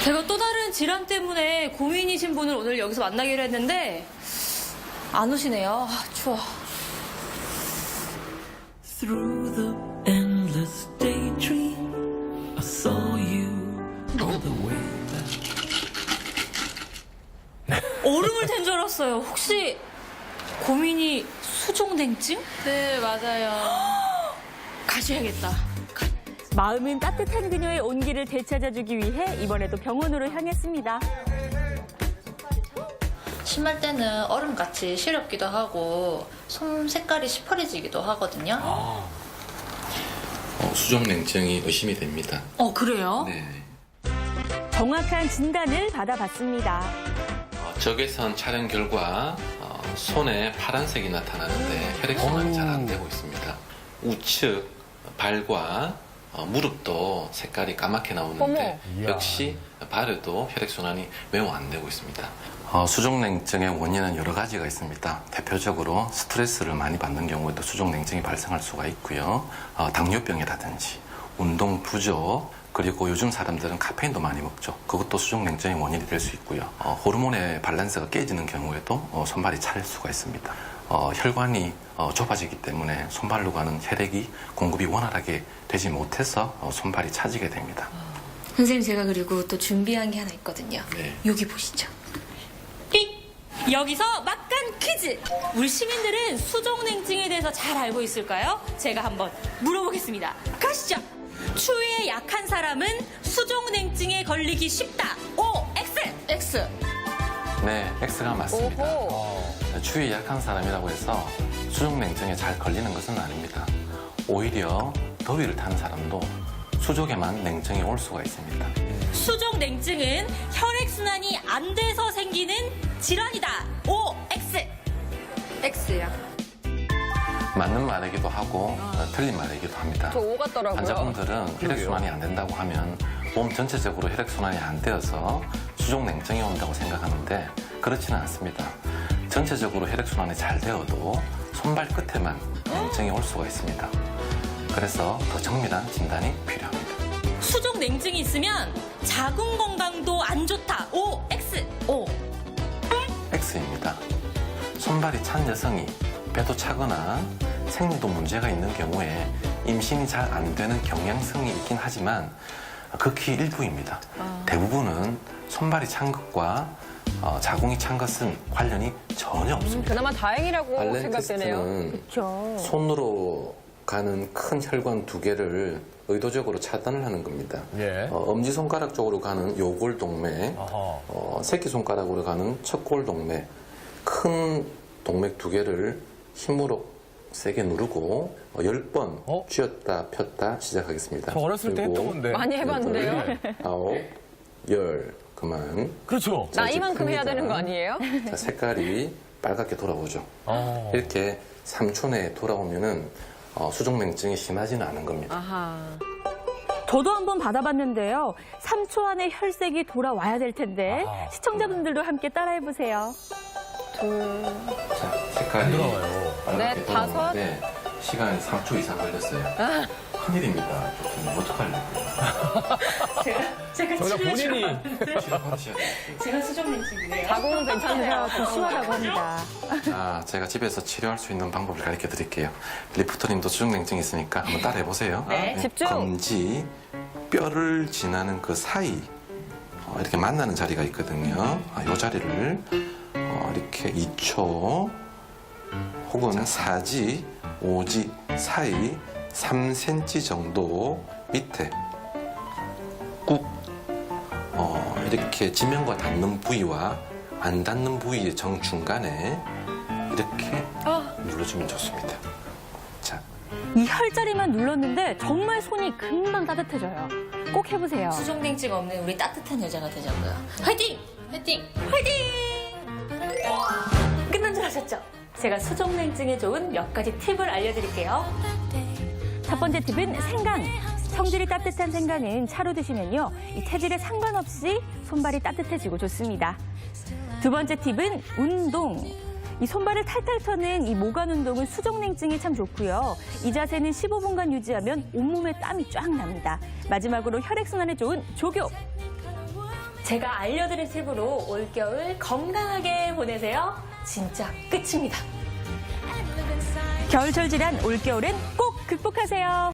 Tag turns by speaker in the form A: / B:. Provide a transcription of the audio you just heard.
A: 제가 또 다른 질환 때문에 고민이신 분을 오늘 여기서 만나기로 했는데 안 오시네요. 아, 추워.
B: Through the endless daydream, I saw you all the way back.
A: 얼음을 탄 줄 알았어요. 혹시 고민이 수족냉증?
C: 네, 맞아요.
A: 가셔야겠다.
D: 마음은 따뜻한 그녀의 온기를 되찾아주기 위해 이번에도 병원으로 향했습니다.
C: 심할 때는 얼음같이 시렵기도 하고 손 색깔이 시퍼리지기도 하거든요.
E: 수족냉증이 의심이 됩니다.
A: 그래요?
E: 네.
D: 정확한 진단을 받아봤습니다.
E: 적외선 촬영 결과 손에 파란색이 나타나는데 혈액순환이 잘 안 되고 있습니다. 우측 발과 무릎도 색깔이 까맣게 나오는데 역시 발에도 혈액순환이 매우 안 되고 있습니다. 수족냉증의 원인은 여러 가지가 있습니다. 대표적으로 스트레스를 많이 받는 경우에도 수족냉증이 발생할 수가 있고요. 당뇨병이라든지 운동 부족, 그리고 요즘 사람들은 카페인도 많이 먹죠. 그것도 수족냉증의 원인이 될 수 있고요. 호르몬의 밸런스가 깨지는 경우에도 손발이 찰 수가 있습니다. 혈관이 좁아지기 때문에 손발로 가는 혈액이 공급이 원활하게 되지 못해서 손발이 차지게 됩니다.
A: 선생님, 제가 그리고 또 준비한 게 하나 있거든요.
E: 네.
A: 여기 보시죠. 띡! 여기서 막간 퀴즈! 우리 시민들은 수족냉증에 대해서 잘 알고 있을까요? 제가 한번 물어보겠습니다. 가시죠! 추위에 약한 사람은 수족냉증에 걸리기 쉽다. O, X! X!
E: 네, X가 맞습니다. 추위에 약한 사람이라고 해서 수족냉증에 잘 걸리는 것은 아닙니다. 오히려 더위를 타는 사람도 수족에만 냉증이 올 수가 있습니다.
A: 수족냉증은 혈액순환이 안 돼서 생기는 질환이다. O, X!
C: X야.
E: 맞는 말이기도 하고 틀린 말이기도 합니다.
F: 저 O 같더라고요.
E: 환자분들은 혈액순환이 안 된다고 하면 몸 전체적으로 혈액순환이 안 되어서 수족냉증이 온다고 생각하는데 그렇지는 않습니다. 전체적으로 혈액순환이 잘 되어도 손발 끝에만 냉증이 올 수가 있습니다. 그래서 더 정밀한 진단이 필요합니다.
A: 수족냉증이 있으면 자궁 건강도 안 좋다. O, X! O.
E: X입니다. 손발이 찬 여성이 배도 차거나 생리도 문제가 있는 경우에 임신이 잘 안 되는 경향성이 있긴 하지만 극히 일부입니다. 대부분은 손발이 찬 것과 자궁이 찬 것은 관련이 전혀 없습니다.
F: 그나마 다행이라고
E: 발렌
F: 생각되네요.
E: 테스트는 손으로 가는 큰 혈관 두 개를 의도적으로 차단을 하는 겁니다.
G: 예.
E: 엄지손가락 쪽으로 가는 요골동맥,
G: 아하.
E: 새끼손가락으로 가는 척골동맥, 큰 동맥 두 개를 힘으로 세게 누르고 10번 쥐었다 폈다 시작하겠습니다.
G: 저 어렸을 때 했던
E: 그리고
G: 건데.
F: 많이 해봤는데요.
G: 네.
E: 9, 10, 그만.
G: 그렇죠.
E: 자, 이제
F: 나이만큼 해야
E: 큽니다.
F: 되는 거 아니에요?
E: 자, 색깔이 빨갛게 돌아오죠.
G: 어.
E: 이렇게 3초 내에 돌아오면은 수족냉증이 심하지는 않은 겁니다.
F: 아하.
D: 저도 한번 받아봤는데요. 3초 안에 혈색이 돌아와야 될 텐데
G: 아하.
D: 시청자분들도 함께 따라해보세요.
E: 자, 색깔이
G: 들어와요.
E: 빨갛게
F: 넷, 다섯.
E: 돌아오는데 시간이 3초 이상 걸렸어요. 큰일입니다. 좀 어떡하려고요.
A: 제가
G: 저희가 본인이
E: 치료받으셔야 돼요.
A: 제가 수족냉증이에요.
F: 자궁은 괜찮네요.
D: 좀 심하다고 합니다.
E: 자, 제가 집에서 치료할 수 있는 방법을 가르쳐 드릴게요. 리프터님도 수족냉증 있으니까 한번 따라해 보세요.
A: 네.
F: 집중.
E: 검지, 뼈를 지나는 그 사이 이렇게 만나는 자리가 있거든요. 이 자리를 이렇게 2초 혹은 4지, 5지 사이 3cm 정도 밑에 꾹 이렇게 지면과 닿는 부위와 안 닿는 부위의 정중간에 이렇게 눌러주면 좋습니다. 자,
D: 이 혈자리만 눌렀는데 정말 손이 금방 따뜻해져요. 꼭 해보세요.
A: 수족냉증 없는 우리 따뜻한 여자가 되자고요. 화이팅! 화이팅! 화이팅! 끝난 줄 아셨죠? 제가 수족냉증에 좋은 몇 가지 팁을 알려드릴게요.
D: 첫 번째 팁은 생강. 성질이 따뜻한 생강은 차로 드시면요. 이 체질에 상관없이 손발이 따뜻해지고 좋습니다. 두 번째 팁은 운동. 이 손발을 탈탈 터는 이 모관 운동은 수족냉증에 참 좋고요. 이 자세는 15분간 유지하면 온몸에 땀이 쫙 납니다. 마지막으로 혈액순환에 좋은 조교.
A: 제가 알려드린 팁으로 올겨울 건강하게 보내세요. 진짜 끝입니다.
D: 겨울철 질환 올겨울엔 꼭 극복하세요.